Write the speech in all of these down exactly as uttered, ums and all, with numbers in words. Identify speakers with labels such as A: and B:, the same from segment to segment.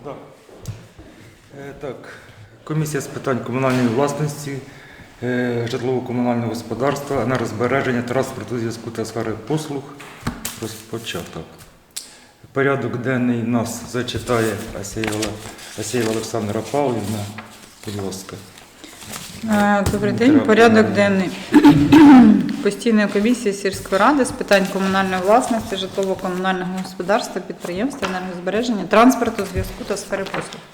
A: Да. Е, Так, комісія з питань комунальної власності, е, житлово-комунального господарства, енергозбереження, транспорту, зв'язку та сфери послуг розпочаток. Порядок денний нас зачитає Асєєва, Асєєва Олександра Павлівна. Будь ласка.
B: Добрий день. Порядок денний постійної комісії сільської ради з питань комунальної власності, житлово-комунального господарства, підприємства, енергозбереження, транспорту, зв'язку та сфери послуг.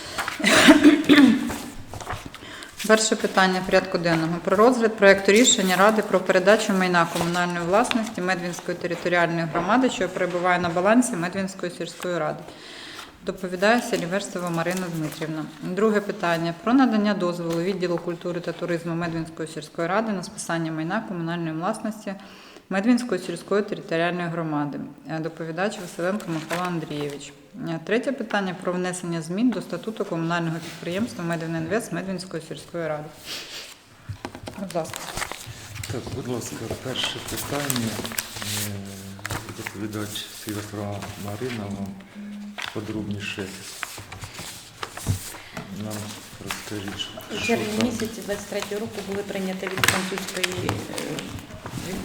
B: Перше питання порядку денного. Про розгляд проєкту рішення Ради про передачу майна комунальної власності Медвінської територіальної громади, що перебуває на балансі Медвінської сільської ради. Доповідає Селіверстова Марина Дмитрівна. Друге питання. Про надання дозволу відділу культури та туризму Медвінської сільської ради на списання майна комунальної власності Медвінської сільської територіальної громади. Доповідач Василенко Михайло Андрійович. Третє питання. Про внесення змін до статуту комунального підприємства Медвінінвест Медвінської сільської ради. Будь ласка.
A: Так, будь ласка, перше питання. Доповідач Селіверстова Марина вам подробніше нам розкажіть, що
C: У червні місяці двадцять третього року були прийняті від французької від,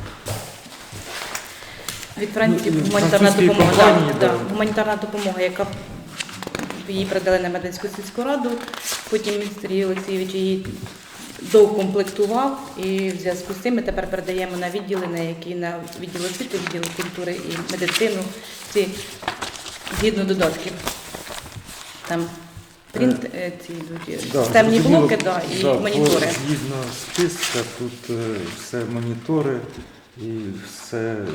C: від Франції гуманітарна допомога,
A: компанії,
C: да,
A: да.
C: да, гуманітарна допомога, яка її передали на Медвінську сільську раду. Потім Сергій Олексійович її доукомплектував, і в зв'язку з цим ми тепер передаємо на відділи, на які на відділ освіти, відділ культури і медицину, ці згідно додатків. Там принт, е, ці йдуть,
A: Да,
C: системні
A: зрозуміло.
C: блоки, да, і
A: Да,
C: монітори.
A: по- Згідно списка, тут е, все монітори і все, е,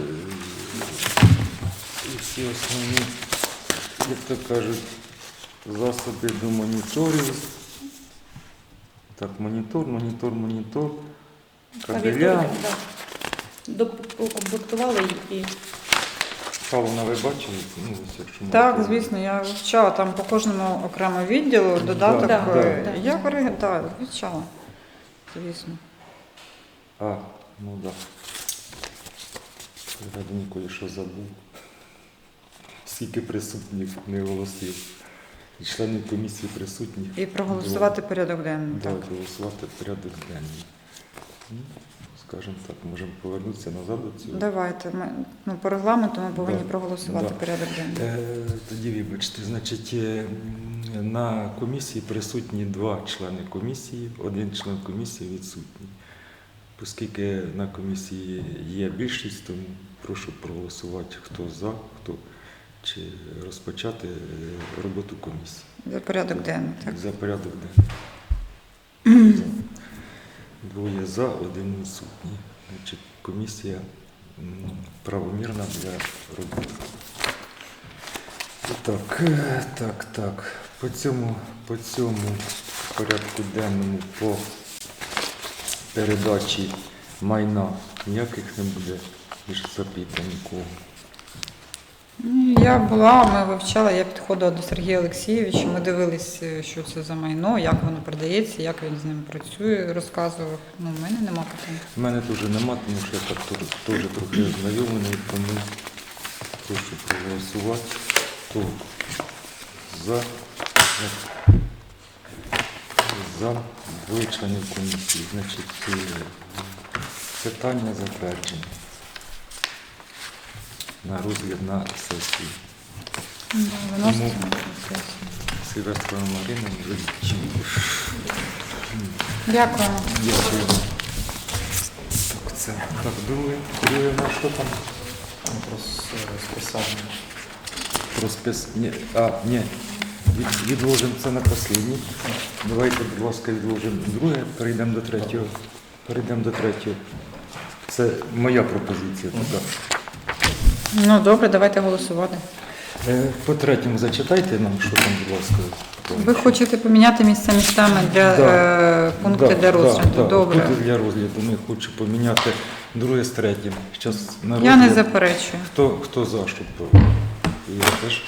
A: і всі основні, як то кажуть, засоби до моніторів. Так, монітор, монітор, монітор, кабеля.
C: Клавіатури, да. Докомплектували їх і
A: Павловна, ви бачили? Ну, ось, якщо
B: Так,
A: можете.
B: звісно, я вивчала там по кожному окремо відділу додаток.
A: Да,
C: да,
B: е,
C: да.
B: Я пере- да, вивчала, звісно.
A: А, ну так. Да. Я ніколи що забув. Скільки присутніх не голосів. І членів комісії присутніх.
B: І проголосувати порядок денний.
A: Да,
B: Так.
A: голосувати порядок денний. Ну, скажімо так, можемо повернутися назад до цього.
B: Давайте. Ми, ну, по регламенту ми повинні
A: Да,
B: проголосувати
A: да.
B: порядок денний.
A: Е, Тоді вибачте, значить, е, м, на комісії присутні два члени комісії, один член комісії відсутній. Оскільки на комісії є більшість, тому прошу проголосувати, хто за, хто чи розпочати е, роботу комісії.
B: За порядок денний. Так.
A: За порядок денний. За. Двоє за, один відсутній. Значить, комісія м, правомірна для роботи. Так, е, так, так. По цьому, по цьому порядку денному по передачі майна ніяких не буде більше запитань нікого.
B: Ну, Я була, ми вивчали, я підходила до Сергія Олексійовича, ми дивилися, що це за майно, як воно продається, як він з ним працює, розказував. Ну, в мене нема питань.
A: У мене теж нема, тому що я так теж, теж трохи ознайомлений, тому прошу проголосувати. Хто за, за двоє членів комісії. Значить, е, питання затверджені на розгляд на сесії.
B: Ну, виноситься
A: Тому-
B: на сесію.
A: Сильверська Марина вже відчула.
B: Дякуємо.
A: Дякую. Так, це. Так, друге, друге на що там?
D: Про списання.
A: Про спис... Ні, а, ні. Від, відложимо це на останній. Давайте, будь ласка, відложимо друге, перейдемо до третього. Перейдемо до третього. Це моя пропозиція така.
B: Ну, добре, давайте голосувати.
A: Е, По третьому зачитайте нам, що там, будь ласка.
B: Ви хочете поміняти місця містами для
A: Да.
B: е, пункту
A: Да,
B: для розгляду?
A: да, да.
B: Добре.
A: Пункти для розгляду. Ми хочу поміняти друге з третім. Щас на
B: Я не
A: розгляд.
B: заперечую.
A: Хто, хто за, щоб я теж.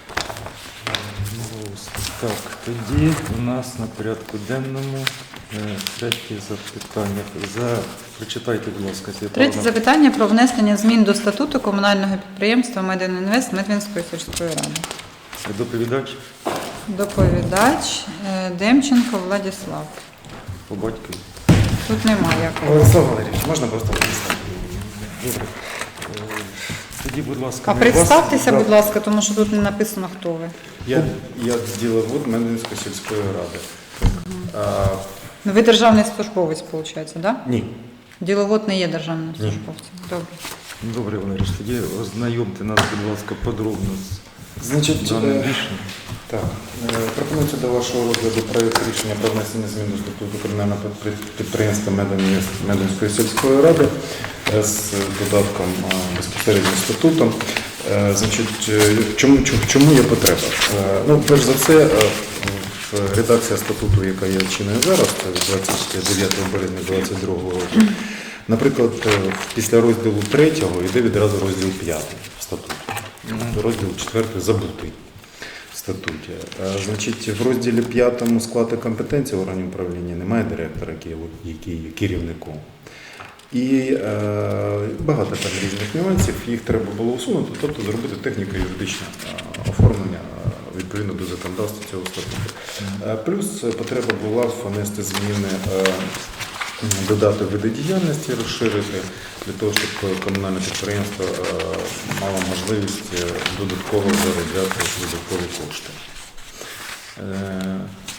A: Ну, так, тоді у нас на порядку денному е, третє запитання. За... Прочитайте, будь ласка, Світлана.
B: Третє запитання про внесення змін до статуту комунального підприємства Медвінінвест Медвінської сільської ради.
A: Доповідач.
B: Доповідач е, Демченко Владислав.
A: По батькові.
B: Тут немає якого.
D: Владислав Валерійович, можна просто Владислав?
A: Добре. Е, Тоді, будь ласка,
B: А
A: ми
B: представтеся,
A: вас-
B: будь ласка, тому що тут не написано, хто ви.
D: Я, я діловод Медвинської сільської ради. А,
B: Ну, ви державний службовець, виходить, так? Да?
D: ні.
B: Діловод не є державним службовцем. Добре.
A: Добре, Валерій, тоді ознайомте нас, будь ласка, подробно з
D: Значить,
A: даним
D: е,
A: рішенням.
D: так, е, пропонується до вашого розгляду проєкт рішення про внесення змін до статуту комунального підпри- підприємства Медвин- Медвинської сільської ради е, з додатком е, безпосередньо статутом. Е, Значить, е, в чому, чому, в чому є потреба? Е, Ну, перш за все, е, в- редакція статуту, яка є чинною зараз, це від двадцять дев'ятого березня двадцять другого року. Наприклад, е, після розділу третього йде відразу розділ п'ятий статуту. Розділ четвертий забутий в статуті. Е, Значить, в розділі п'ятому склад і компетенції органів управління немає директора, який є- який є керівником. І е, багато там різних нюансів, їх треба було усунути, тобто зробити техніко-юридичне е, оформлення е, відповідно до законодавства цього статуту. Е, Плюс потреба була внести зміни, е, додати види діяльності, розширити для того, щоб комунальне підприємство е, мало можливість е, додатково заробляти додаткові кошти. Е,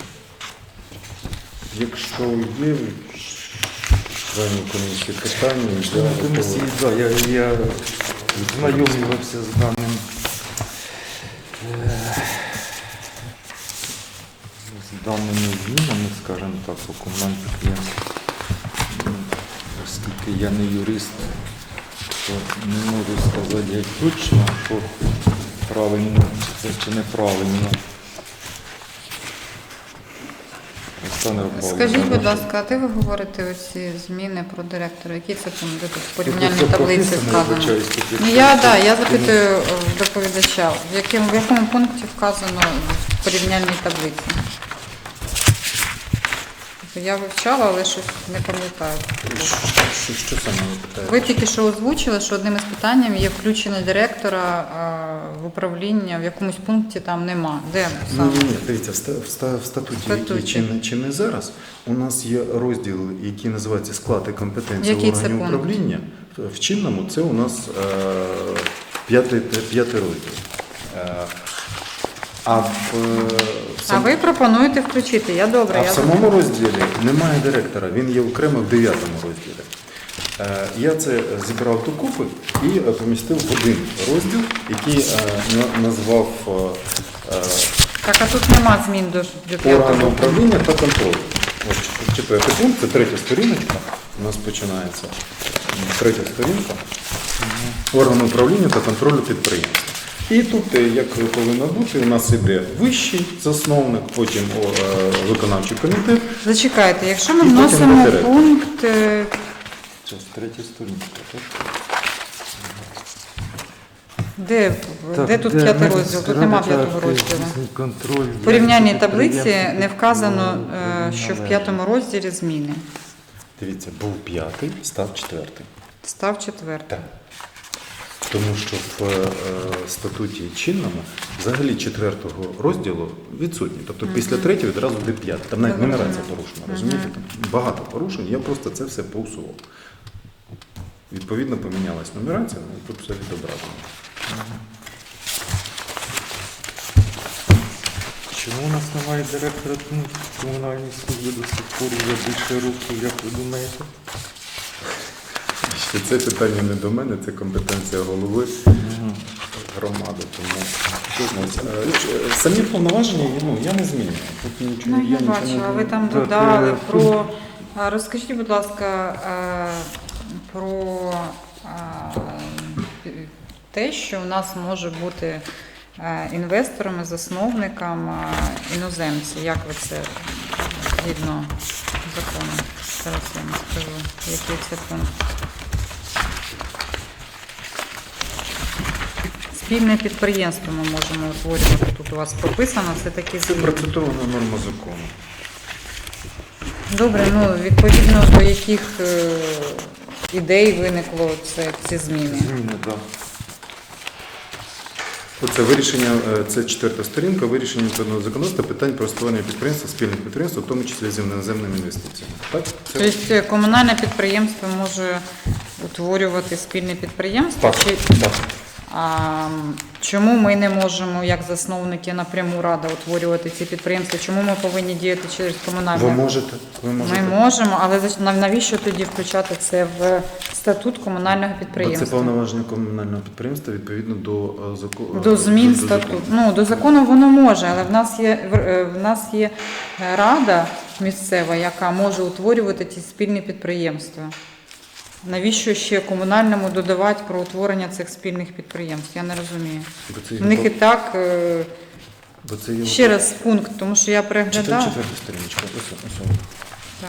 D: Якщо є членів комісії питання, я
A: Члени
D: готовий.
A: комісії, да, я, я знайомився з даним е, з даними змінами, скажімо так, по комунальному підприємству. Ну, Оскільки я не юрист, то не можу сказати як точно, що правильно це чи неправильно. Олександр Павлович,
B: Скажіть, будь
A: прошу.
B: ласка, а де ви говорите оці зміни про директора? Які це пункти? Де тут в
A: Тут
B: порівняльній
A: все
B: таблиці
A: прописано,
B: вказано?
A: вибачаюсь, тут
B: Ну,
A: є-
B: я, да, я запитую е, в доповідача, в якому, в якому пункті вказано в порівняльній таблиці? Тобто я вивчала, але щось не пам'ятаю.
D: Що, що саме ви питаєте?
B: Ви тільки що озвучили, що одним із питань є включення директора а, в управління, в якомусь пункті там нема. Де
D: Ні,
B: саме?
D: ні, ні, дивіться, в ста- в ста- в статуті,
B: Статуті.
D: який чинний, чинний зараз, у нас є розділ, який називається склад і компетенції
B: Який це
D: органів
B: пункт?
D: управління. В чинному це у нас е, п'ятий, п'ятий розділ. Е, а в, е, в
B: А
D: сам-
B: ви пропонуєте включити. Я добре.
D: а
B: я
D: в самому розділі немає директора, він є окремо в дев'ятому розділі. Е, Я це зібрав докупи і е, помістив в один розділ, який е, на- назвав е, е,
B: Так, а тут нема змін до, до
D: органи
B: п'ятого.
D: управління та контролю. От четвертий пункт, це третя сторіночка. У нас починається третя сторінка. Органи управління та контролю підприємства. І тут, е, як повинно бути, у нас іде вищий засновник, потім о, е, виконавчий комітет.
B: Зачекайте, якщо ми
D: І потім
B: вносимо
D: директор.
B: пункт, е,
A: Це третя сторінка, так?
B: де,
A: Так,
B: де тут
A: де
B: п'ятий
A: ми
B: розділ? Тут нема
A: розбираємо
B: п'ятого розділу.
A: здійснює контроль.
B: В порівняльній
A: діяльності
B: таблиці
A: підприємств,
B: не вказано,
A: ну,
B: е, що в
A: належить.
B: п'ятому розділі зміни.
D: Дивіться, був п'ятий, став четвертий.
B: Став четвертий.
D: Так. Тому що в е, статуті чинному взагалі четвертого розділу відсутні. Тобто після третього відразу буде п'ятий. Там навіть
B: Зрозуміло.
D: нумерація порушена, розумієте? Там багато порушень, я просто це все поусував. Відповідно, помінялась нумерація, ну, і тут все відображено.
A: Чому у нас немає директора комунальної служби до сих пор вже більше років, як ви думаєте?
D: Ще це питання не до мене, це компетенція голови громади. Тому ось, е, ч- самі повноваження ну, я не змінюю. Тут нічого,
B: Ну, я
D: нічого не
B: бачу, а ви
D: змінюю.
B: там
A: Так,
B: додали
A: е,
B: про... а, Розкажіть, будь ласка, е, про а, те, що у нас може бути е, інвесторами, засновником е, іноземці. Як ви це згідно закону? Зараз я вам скажу, який це пункт. Спільне підприємство ми можемо утворювати. Тут у вас прописано, це такі
D: Це
B: зміни.
D: процитована норма закону.
B: Добре, ну відповідно до яких е, ідей виникло це, ці зміни.
A: Зміни, так.
D: Оце вирішення, е, це четверта сторінка, вирішення відповідного законодавства питань про створення підприємства, спільних підприємств, в тому числі з іноземними інвестиціями. Так? Це...
B: Тобто комунальне підприємство може утворювати спільне підприємство?
D: Так,
B: Чи...
D: так.
B: А чому ми не можемо, як засновники, напряму рада утворювати ці підприємства? Чому ми повинні діяти через комунальне?
D: Ви можете. Ви можете.
B: Ми можемо, але заш- навіщо тоді включати це в статут комунального
D: Бо це
B: підприємства?
D: повноваження комунального підприємства відповідно до е, закону.
B: До змін статуту. Ну, до закону воно може, але в нас є в- е, в нас є е, рада місцева, яка може утворювати ці спільні підприємства. Навіщо ще комунальному додавати про утворення цих спільних підприємств? Я не розумію.
D: Бо це,
B: В них і так е,
D: бо це є
B: ще раз пункт, тому що я
D: Читаю
B: переглядала.
D: четверту сторіночку. Ось, ось.
B: Так.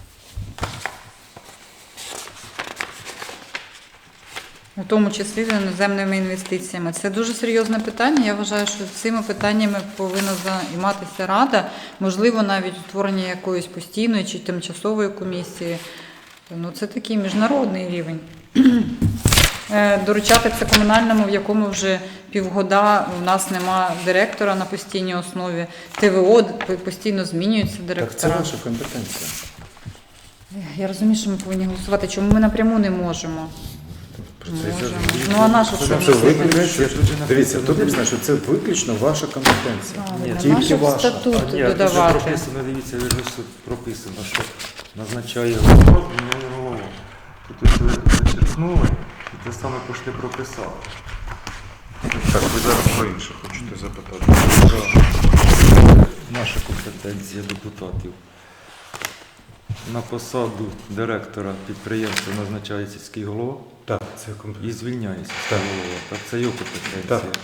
B: У тому числі з іноземними інвестиціями. Це дуже серйозне питання. Я вважаю, що цими питаннями повинна займатися Рада, можливо, навіть утворення якоїсь постійної чи тимчасової комісії. Ну, це такий міжнародний рівень. Е, Доручати це комунальному, в якому вже півгода у нас нема директора на постійній основі. ТВО постійно змінюються
D: Так це
B: директора.
D: ваша компетенція.
B: Я розумію, що ми повинні голосувати. Чому ми напряму не можемо?
D: Про це і
B: Можемо.
D: зараз.
B: Ну, а на що
D: Це
B: це?
D: виключно, дивіться, тут написано, що це виключно ваша компетенція.
B: Правильно.
D: Тільки
B: Нащо в
D: ваша.
B: статут
A: А, ні, тут же
B: додавати?
A: прописано, дивіться, вже все прописано, що назначає голова, змінює голову. Тут ось ви зачеркнули і те саме пошли прописали.
D: Так, ви зараз про інше хочете запитати.
A: Наша компетенція депутатів. На посаду директора підприємства назначає сільський голова
D: Так, це
A: і
D: компетенція.
A: звільняє сільський
D: Так.
A: голова. Так, це його компетенція.
D: Так.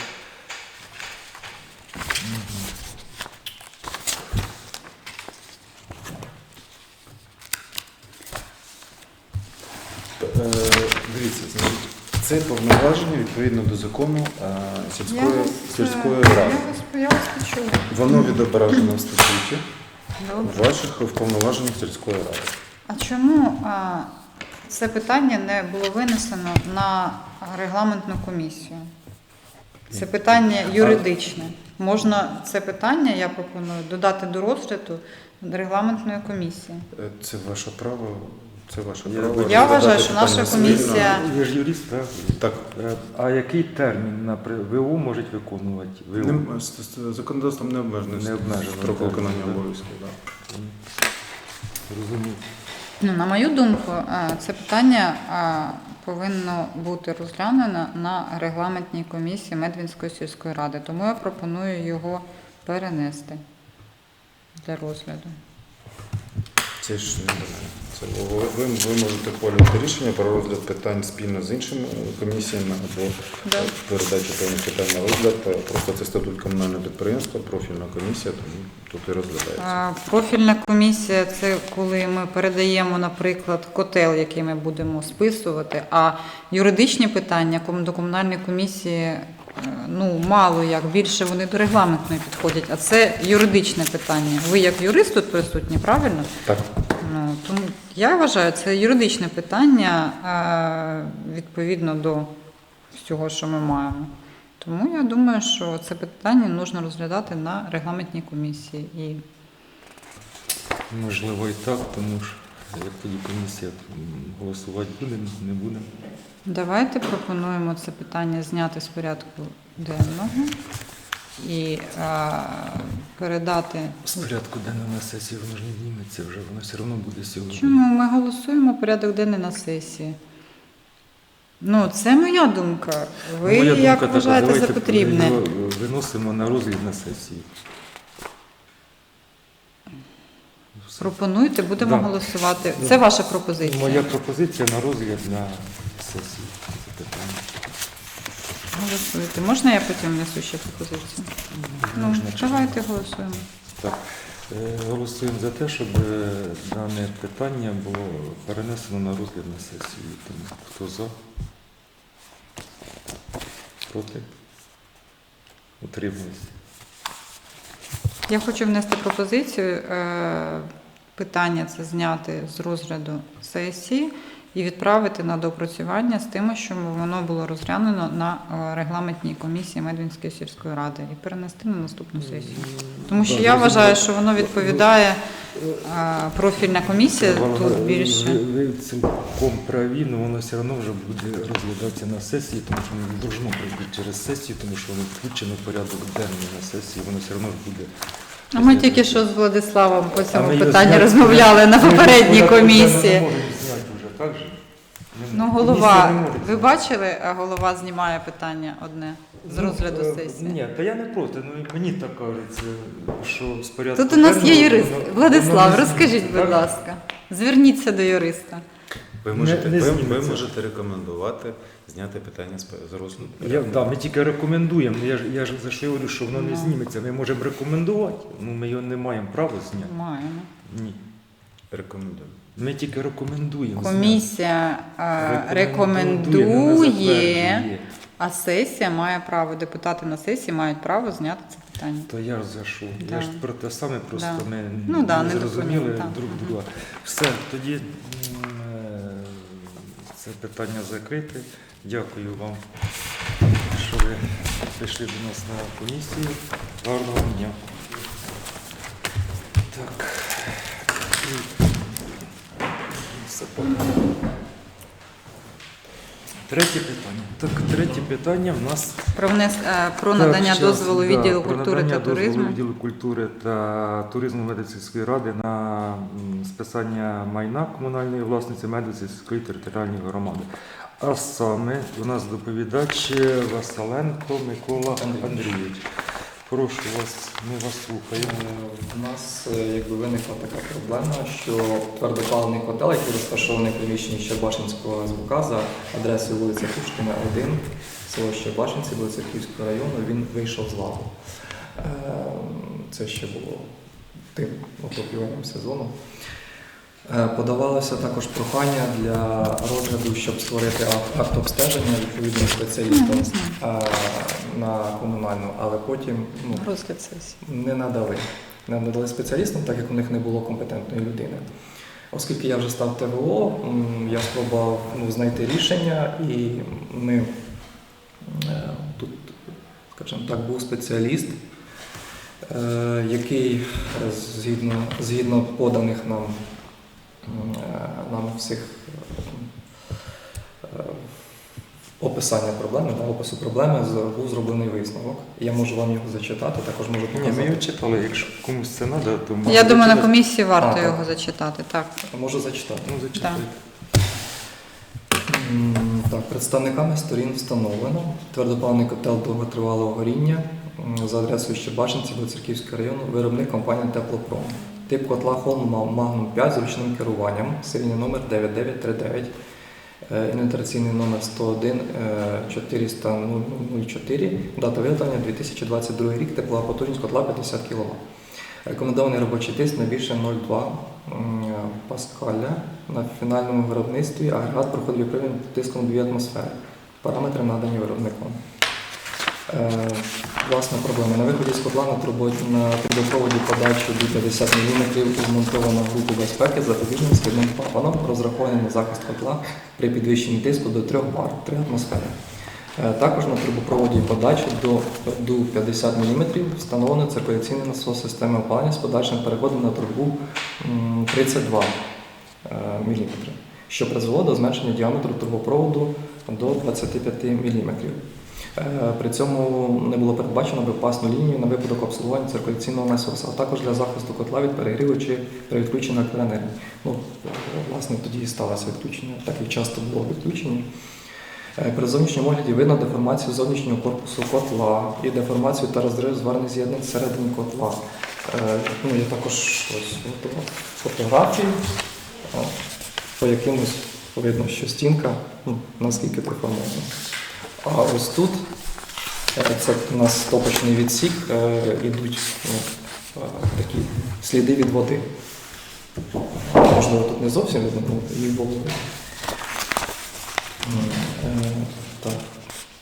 D: Е, Дивіться, значить, це повноваження відповідно до закону е, сільської, сільської ради.
B: Я вас, я вас почула.
D: Воно відображено в статуті
B: Добре.
D: ваших повноважень сільської ради.
B: А чому а, це питання не було винесено на регламентну комісію? Це питання юридичне. Можна це питання, я пропоную, додати до розгляду регламентної комісії.
D: Е, Це ваше право. Це ваше
A: Я-
D: право.
B: Я вважаю,
D: розглядати
B: що наша
D: питання цивільного.
B: комісія-
A: Ви ж юрист, так?
D: Так.
A: Е, А який термін на при- ВУ можуть виконувати? ВУ?
D: Нем- з- з- Законодавством не обмежено
A: Не обмежено,
D: строк
A: так,
D: виконання
A: так.
D: обов'язків. Да.
A: Розумію.
B: Ну, на мою думку, а, це питання а, повинно бути розглянено на регламентній комісії Медвінської сільської ради. Тому я пропоную його перенести для розгляду.
D: Це ж не мене. Це ви, ви, ви можете ухвалювати рішення про розгляд питань спільно з іншими е, комісіями або
B: Да.
D: е, передачу певних питань на розгляд. Е, Просто це статут комунального підприємства, профільна комісія, тому тут і розглядається.
B: А, Профільна комісія – це коли ми передаємо, наприклад, котел, який ми будемо списувати, а юридичні питання ком- до комунальної комісії е, ну, мало як, більше вони до регламентної підходять, а це юридичне питання. Ви як юрист тут присутні, правильно?
D: Так.
B: Ну, тому я вважаю, це юридичне питання е, відповідно до всього, що ми маємо. Тому я думаю, що це питання потрібно розглядати на регламентній комісії. І
A: Можливо і так, тому що як тоді комісія м, голосувати буде, не буде.
B: давайте пропонуємо це питання зняти з порядку денного і е, передати.
A: З порядку денного на сесії воно ж не зніметься вже, воно все одно буде сьогодні.
B: Чому ми голосуємо порядок денний на сесії? Ну, це моя думка. Ви
A: Ну, моя
B: як
A: думка
B: вважаєте
A: така,
B: за
A: давайте
B: потрібне?
A: його виносимо на розгляд на сесії.
B: Пропонуйте, будемо
A: Да.
B: голосувати. Це ваша пропозиція.
A: Моя пропозиція на розгляд на сесії. Це питання.
B: Голосуйте. Можна я потім внесу ще пропозицію? Ну,
A: Можна, чи
B: давайте голосуємо.
A: Так, е, голосуємо за те, щоб е, дане питання було перенесено на розгляд на сесію. Тому хто за? Проти? Утримується.
B: Я хочу внести пропозицію. е, Питання це зняти з розгляду сесії і відправити на доопрацювання з тим, щоб воно було розглянено на е, регламентній комісії Медвінської сільської ради і перенести на наступну сесію. Тому що
A: Да,
B: я
A: зрозуміло.
B: вважаю, що воно відповідає е, профільна комісія
A: Воно-
B: тут більше.
A: Ви, ви цілком праві, але воно все одно вже буде розглядатися на сесії, тому що воно не должно пройти через сесію, тому що воно включено в порядок денний на сесії, воно все одно ж буде.
B: А ми тільки що з Владиславом по
A: А
B: цьому
A: ми його
B: питанні
A: зняти-
B: розмовляли на
A: ми його
B: попередній
A: порядок денний
B: комісії.
A: Не можемо зняти вже, так же? Ми-
B: Ну,
A: комісія
B: голова,
A: не може
B: ви
A: зняти.
B: бачили, а голова знімає питання одне з
A: Ну,
B: розгляду
A: е,
B: сесії.
A: Ні, та я не проти, ну і мені так кажеться, що з порядку
B: Тут у нас є
A: денного
B: юрист.
A: воно-
B: Владислав,
A: воно не
B: розкажіть,
A: зміниться,
B: будь
A: так?
B: ласка. Зверніться до юриста.
E: Ви можете,
A: Не- не
E: ви, ви
A: зміниться.
E: можете рекомендувати зняти питання з, з розгляду.
A: Я, да, ми тільки рекомендуємо. Я ж, я ж за що я говорю, що воно не
B: Ну.
A: зніметься. Ми можемо рекомендувати, ну ми його не маємо права зняти.
B: Маємо.
A: Ні.
E: Рекомендую.
A: Ми тільки рекомендуємо. зняти.
B: Комісія е,
A: Рекомендує, ну, не
B: рекомендує,
A: затверджує.
B: а сесія має право, депутати на сесії мають право зняти це питання.
A: То я ж за що?
B: Да.
A: Я ж про те саме, просто
B: Да.
A: ми
B: Ну, да,
A: не
B: не
A: зрозуміли
B: допоняли, так.
A: друг друга. Все, тоді м, е, це питання закрите. Дякую вам, що ви прийшли до нас на комісію. Гарного дня. Так. І- Все. Третє питання. Так, третє питання в нас
B: Про, внес, е, про
A: так,
B: надання
A: щас,
B: дозволу
A: да,
B: відділу
A: про
B: культури
A: надання
B: та
A: дозволу
B: туризму.
A: відділу культури та туризму Медицинської ради на м, списання майна комунальної власниці Медицинської територіальної громади. А саме у нас доповідач Василенко Микола Андрійович. Прошу вас, ми вас слухаємо.
F: У нас е, якби виникла така проблема, що твердопаливний котел, який розташований в приміщенні Щербашинського ес бе ка за адресою вулиця Пушкіна, один, село Щербашинці, вулиця Київського району, він вийшов з ладу. Е, Це ще було тим отоплювальним сезоном. Е, Подавалося також прохання для розгляду, щоб створити ак- акт обстеження відповідним спеціалістам е, на комунальну, але потім ну,
B: Розгляд сесії.
F: не надали. Не надали спеціалістам, так як у них не було компетентної людини. Оскільки я вже став те ve о, м, я спробував ну, знайти рішення, і ми е, тут, скажімо так, був спеціаліст, е, який е, згідно, згідно поданих нам, м, е, нам всіх е, описання проблеми, да, опису проблеми з- був зроблений висновок. Я можу вам його зачитати, також можу
A: Ні,
F: показати.
A: ми його читали, якщо комусь це треба, то можна
B: Я думаю, на
A: зачитати.
B: комісії варто
F: А, так.
B: його зачитати. Так.
F: Можу зачитати.
A: Ну, зачитайте.
F: М, Так, представниками сторін встановлено твердопаливний котел довготривалого горіння м, за адресою Щербашинці до Церківського району, виробник компанія Теплопром. Тип котла Холм Магнум п'ять з ручним керуванням, серійний номер дев'ять дев'ять три дев'ять, е, інвентаризаційний номер сто один чотириста нуль чотири, дата виготовлення дві тисячі двадцять другий рік, теплова потужність котла п'ятдесят кіловат. Рекомендований робочий тиск не більше нуль цілих два м, паскаля. На фінальному виробництві агрегат проходить випромінювання тиском дві атмосфери. Параметри надані виробником. Е, власна проблема. На виході з котла на трубо- на трубопроводі подачі до п'ятдесят міліметрів змонтована група безпеки з запобіжним східним клапаном, розрахований на захист котла при підвищенні тиску до трьох бар, три атмосфери. Е, Також на трубопроводі подачі до до п'ятдесят міліметрів встановлено циркуляційний насос системи опалення з подальшим переходом на трубу м, тридцять два міліметри, що призвело до зменшення діаметру трубопроводу до двадцять п'ять міліметрів. Е, При цьому не було передбачено безпечну лінію на випадок обслуговування циркуляційного насосу, а також для захисту котла від перегріву чи при відключенні електроенергії. Ну, власне, тоді і сталося відключення, так як часто було відключення. Е, При зовнішньому огляді видно деформацію зовнішнього корпусу котла і деформацію та розрив зварних з'єднань всередині котла. Е, Ну, я також ось готував фотографії, е, по якимось видно, що стінка ну, наскільки деформована. А ось тут, е, це у нас стопочний відсік, е, ідуть ну, е, такі сліди від води. Можливо, тут не зовсім видно, але їх було видно. М, е, Так.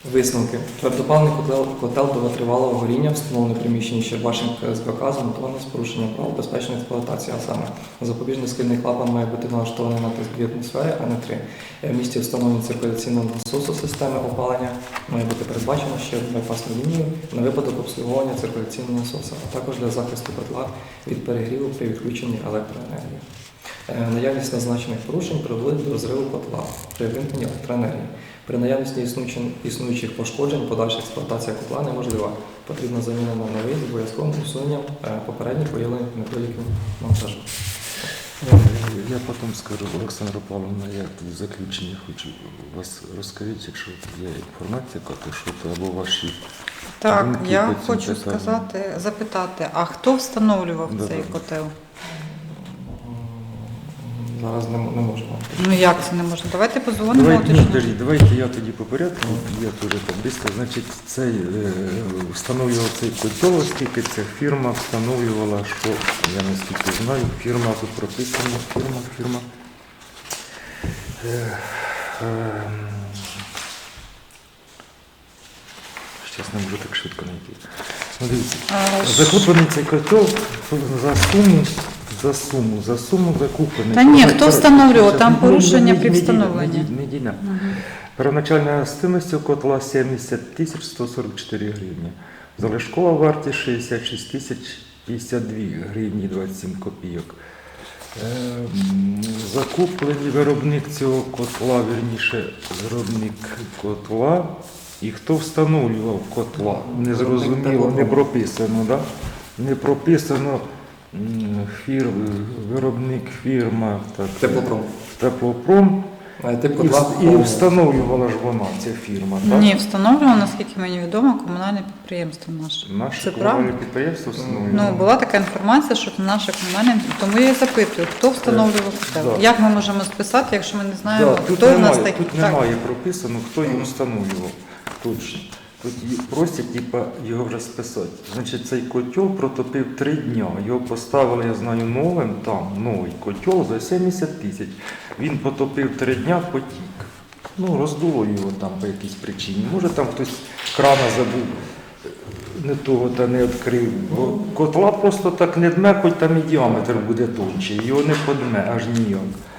F: Висновки. Твердопаливний котел, котел довготривалого горіння, встановлений в приміщенні Щербашин КС БК, змонтований з порушенням правил безпечної експлуатації, а саме запобіжний схильний клапан має бути налаштований на тиск дві атмосфери, а не три. В місті встановлення циркуляційного насосу системи опалення має бути передбачено ще байпасну лінію на випадок обслуговування циркуляційного насосу, а також для захисту котла від перегріву при відключенні електроенергії. Е, Наявність назначених порушень приводить до розриву котла при вимкненні електроенергії. При наявності існуючих- існуючих пошкоджень подальша експлуатація котла неможлива. Потрібна заміна на новий з обов'язковим усуненням е, попередніх виявлених недоліків монтажу.
A: Я потім скажу, Олександра Павловна, я тут в заключенні хочу вас розкажіть, якщо є інформація, яка то що то або ваші
B: Так,
A: думки
B: я
A: по цьому
B: хочу
A: питанню.
B: сказати, запитати, а хто встановлював
A: Да,
B: цей
A: да.
B: котел?
F: Зараз не, м- не можемо.
B: Ну як це не можна? Давайте позвонимо,
A: Давайте, ні,
B: уточнимо.
A: подождіть, давайте я тоді по порядку, я теж там близько. Значить, цей, е, встановлював цей котел, оскільки ця фірма встановлювала, що, я наскільки знаю, фірма тут прописана, фірма, фірма. Е, е, Щас не можу так швидко знайти. Ну, дивіться,
B: А, ж-
A: закуплений цей котел за суму, за суму, за суму закуплений.
B: Та ні, хто встановлював?
A: Щас,
B: Там
A: ну,
B: порушення
A: не-
B: при
A: не- не-
B: встановленні.
A: не- не- не- не-
B: Мгм.
A: Первоначальна стоимость котла сімдесят тисяч сто сорок чотири гривні. Залишкова вартість шістдесят шість тисяч п'ятдесят дві гривні двадцять сім копійок. Ем, Закуплений виробник цього котла, вірніше, виробник котла. І хто встановлював котла? Не зрозуміло, не прописано, да? Не прописано м, фір, виробник фірма так,
F: Теплопром.
A: Теплопром.
F: Е, Тип
A: І,
F: котла
A: вс- і встановлювала ж вона, ця фірма, так?
B: Ні, встановлював, наскільки мені відомо, комунальне підприємство наше.
A: Наше
B: Це
A: комунальне
B: правда?
A: підприємство встановлювало.
B: Ну, була така інформація, що це наше комунальне, тому я і запитую, хто встановлював котел?
A: да.
B: Як ми можемо списати, якщо ми не знаємо,
A: Да, тут
B: хто в нас
A: немає,
B: такий?
A: тут немає прописано, хто його встановлював. Точно. Тут ї- просять типа, його вже списати. Значить, цей котел протопив три дня. Його поставили, я знаю, новим, там, новий котел за сімдесят тисяч. Він потопив три дня, потік. Ну, роздуло його там по якійсь причині. Може там хтось крана забув, не того та не відкрив. Бо котла просто так не дме, хоч там і діаметр буде тончий. Його не подме, аж ніяк.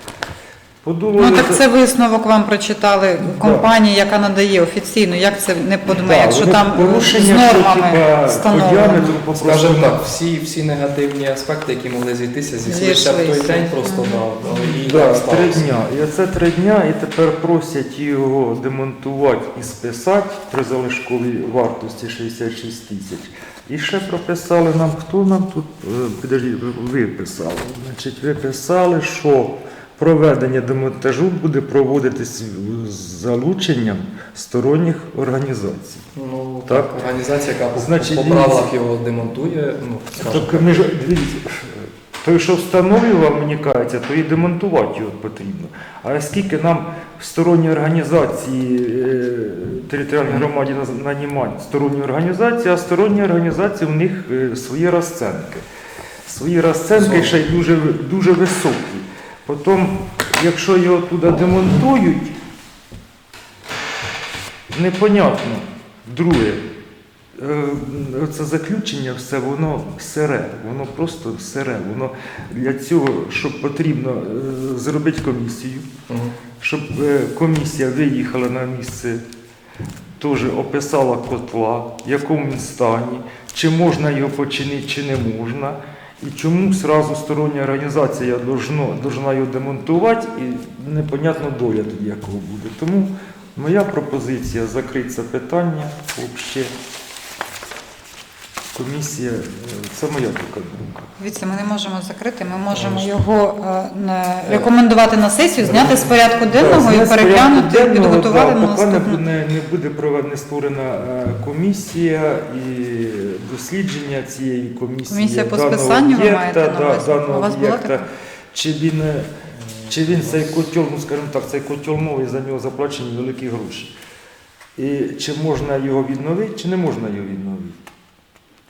A: Подуло
B: Ну
A: його
B: так
A: за-
B: це висновок вам прочитали компанії, яка надає офіційно. Як це не подме,
A: Да,
B: якщо
A: вони
B: там
A: порушення,
B: з
A: що,
B: нормами
A: типа, по
B: встановлено?
A: діаметру по
F: Скажімо
A: просто-
F: так, всі, всі негативні аспекти, які могли зійтися, зійшлися в той
B: Зійшлися.
F: день, просто да, да, і
A: Да,
F: так
A: три
F: сталося.
A: дня. І оце три дня, і тепер просять його демонтувати і списати при залишковій вартості шістдесят шість тисяч. І ще прописали нам, хто нам тут, е, підожди, ви ви писали. Значить, ви писали, що проведення демонтажу буде проводитись з залученням сторонніх організацій.
F: Ну,
A: Так.
F: так. Організація, яка по-
A: Значить,
F: по
A: дивіться.
F: правилах його демонтує, ну, скажімо
A: Так, ми ж, дивіться, той, що встановлював, мені кажеться, то і демонтувати його потрібно. А оскільки нам сторонні організації, е, територіальній громаді наз- нанімають сторонні організації, а сторонні організації у них е, свої розценки. Свої розценки ще й дуже, дуже високі. Потім, якщо його туди демонтують, непонятно. Друге, е, це заключення все, воно сире, воно просто сире. Воно для цього, щоб потрібно е, зробити комісію,
F: Мгм.
A: щоб е, комісія виїхала на місце, теж описала котла, в якому він стані, чи можна його починити, чи не можна. І чому зразу стороння організація должно, должна його демонтувати, і непонятно доля тоді якого буде. Тому моя пропозиція закрити це питання взагалі. Комісія, е, це моя така думка.
B: Дивіться, ми не можемо закрити, ми можемо його е, на- рекомендувати на сесію, зняти з порядку денного
A: Да,
B: і
A: зняти з
B: переглянути,
A: порядку денного,
B: підготувати
A: да,
B: на
A: поки не
B: наступну.
A: буде, не буде проведена створена е, комісія і дослідження цієї комісії.
B: Комісія по
A: даного
B: списанню ви
A: об'єкта,
B: маєте на
A: да,
B: увазі?
A: даного
B: У вас була
A: об'єкта.
B: така?
A: Чи він, е, чи він цей котел, ну скажімо так, цей котел новий, за нього заплачені великі гроші. І чи можна його відновити, чи не можна його відновити.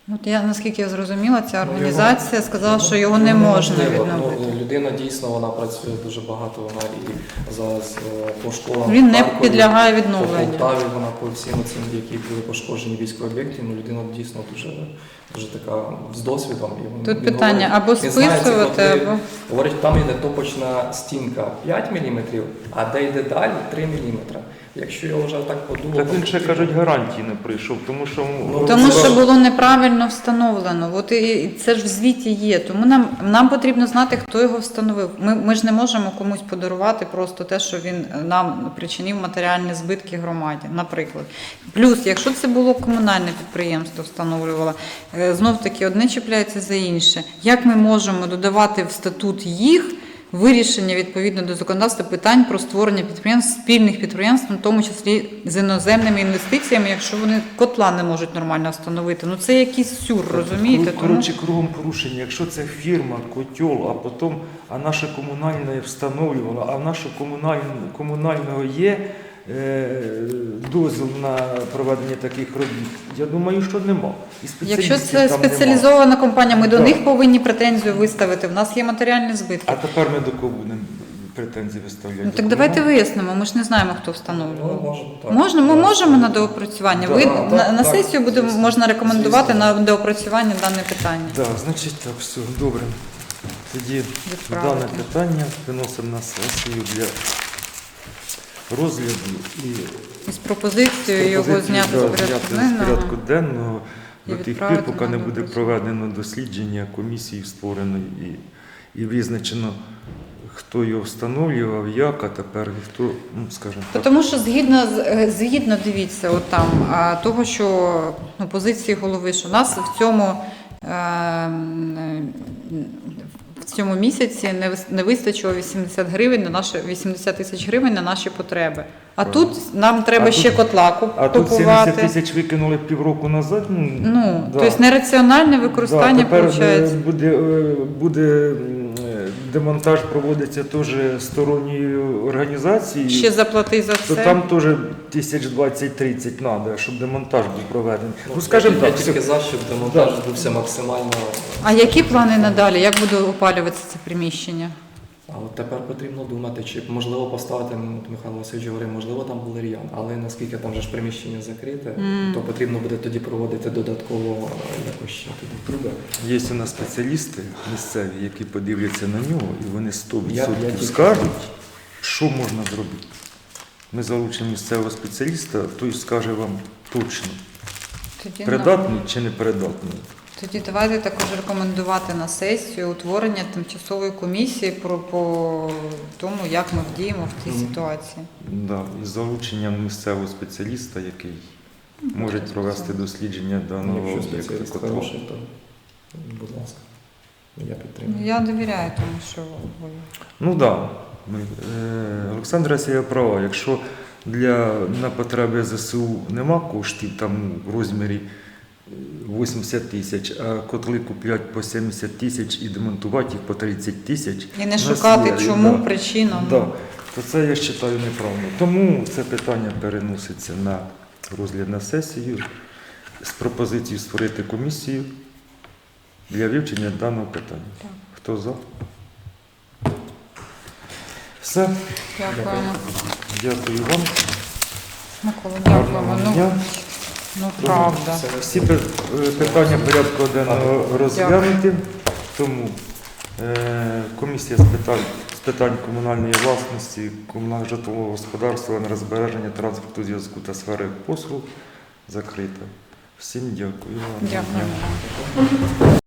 B: От я, наскільки я зрозуміла, ця
F: Ну,
B: організація
F: його-
B: сказала,
F: ну,
B: що його
F: ну,
B: не можна
F: неможливо.
B: відновити.
F: Ну, людина дійсно вона працює дуже багато, вона і зараз е, по школам.
B: Він
F: в
B: не
F: Харкові,
B: підлягає
F: по
B: відновленню.
F: Полтаві вона по всім цим, які були пошкоджені військові об'єкти, ну людина дійсно дуже, дуже така з досвідом. І він-
B: Тут
F: він
B: питання
F: говорить-
B: або
F: він знає ці
B: списувати,
F: котлі.
B: або
F: Говорить, там йде топочна стінка п'ять міліметрів, а де йде далі три міліметри. Якщо його вже так подумав,
A: Так він ще, кажуть, гарантії не прийшов, тому що...
F: Ну,
B: тому
F: це
B: що
F: ж-
B: було неправильно встановлено. От і і це ж в звіті є. Тому нам, нам потрібно знати, хто його встановив. Ми, ми ж не можемо комусь подарувати просто те, що він нам причинив матеріальні збитки громаді, наприклад. Плюс, якщо це було комунальне підприємство, встановлювало, е, знов таки одне чіпляється за інше. Як ми можемо додавати в статут їх вирішення відповідно до законодавства питань про створення підприємств, спільних підприємств, в тому числі з іноземними інвестиціями, якщо вони котла не можуть нормально встановити. Ну це якийсь сюр, розумієте?
A: Кру-
B: Тому
A: Коротше, кругом порушення. Якщо це фірма, котел, а потім, а наша комунальна встановлювала, а в нашого комунального, комунального є е, дозвіл на проведення таких робіт, я думаю, що нема. І
B: якщо
A: спеціалістів
B: це
A: там нема.
B: спеціалізована компанія, ми до
A: Так.
B: них повинні претензію виставити. В нас є матеріальні збитки.
A: А тепер ми до кого будемо претензії виставляти?
B: Ну
A: До
B: так давайте
A: комунального?
B: вияснимо, ми ж не знаємо, хто
F: Ну,
B: встановлював.
F: може, так.
B: Можна, ми
F: Так.
B: можемо на доопрацювання. Ви
F: Так,
B: на,
F: так,
B: на
F: так,
B: сесію буде
F: звісно.
B: можна рекомендувати
F: Звісно.
B: на доопрацювання дане питання.
A: Так, значить так, все, добре. Тоді
B: Відправити.
A: дане питання виносимо на сесію для розгляду і
B: І з пропозицією його
A: пропозицію,
B: зняти
A: да,
B: з порядку
A: зняти з
B: денного.
A: порядку денного
B: І
A: до тих пір,
B: відправити
A: поки
B: на
A: не буде
B: доопрацювання.
A: проведено дослідження комісії створеної і, і визначено, хто його встановлював, як, а тепер і хто, ну скажімо так.
B: Тому що згідно з- е, згідно дивіться, от там а, того, що ну, позиції голови, що нас в цьому е, м, в цьому місяці не вис- не вистачило вісімдесят гривень на наші вісімдесят тисяч гривень на наші потреби. А
A: Правильно.
B: тут нам треба
A: А
B: ще
A: тут-
B: котла куп-
A: А тут
B: купувати.
A: сімдесят тисяч викинули півроку назад. Ну,
B: Ну,
A: да.
B: тобто нераціональне використання
A: Да, тепер
B: виходить.
A: е, буде, е, буде м, е, демонтаж проводиться теж сторонньою організацією.
B: Ще заплати за
A: То
B: це.
A: там теж тисяч двадцять-тридцять треба, щоб демонтаж був проведений. Ну,
F: Ну,
A: скажімо
F: я
A: так,
F: тільки
A: все.
F: за, щоб демонтаж бувся максимально.
B: А які плани надалі? Як буде опалюватися це приміщення?
F: А от тепер потрібно думати, чи можливо поставити, ну, от Михайло Васильович говорив, можливо, там був ріян, але наскільки там вже ж приміщення закрите,
B: Мгм.
F: то потрібно буде тоді проводити додатково е, якось ще тоді труби.
A: Є у нас спеціалісти місцеві, які подивляться на нього, і вони сто
F: Я- я
A: відсотків
F: тільки-
A: скажуть, що можна зробити. Ми залучимо місцевого спеціаліста, той скаже вам точно,
B: Тоді, ну,
A: придатний чи не придатний.
B: тоді давайте також рекомендувати на сесію утворення тимчасової комісії про по тому, як ми вдіємо в цій
F: Мгм.
B: ситуації.
A: Да, із залученням місцевого спеціаліста, який може провести дослідження
F: Ну,
A: даного
F: якщо
A: об'єкту.
F: спеціаліст
A: котла.
F: хороший, то будь ласка, я
B: Ну,
F: підтримую.
B: я довіряю тому, що ви.
A: Ну так. Да. Ми, е, Олександра Сія права. Якщо для, на потреби ЗСУ нема коштів там в розмірі вісімдесят тисяч, а котли куплять по сімдесят тисяч і демонтувати їх по тридцять тисяч.
B: І не
A: у нас
B: шукати,
A: є,
B: чому,
A: да.
B: причину.
A: Да. То це я вважаю неправильно. Тому це питання переноситься на розгляд на сесію з пропозицією створити комісію для вивчення даного питання.
B: Так.
A: Хто за? Все.
B: Дякуємо.
A: Дякую вам.
B: Микола, дякуємо.
A: Гарного
B: Ну,
A: дня.
B: ну правда.
A: Всі пи- е, питання порядку денного розглянуті. Тому е, комісія з питань, з питань комунальної власності, комунального житлового господарства, енергозбереження, транспорту, зв'язку та сфери послуг закрита. Всім дякую. Гарного дня.
B: Дякуємо.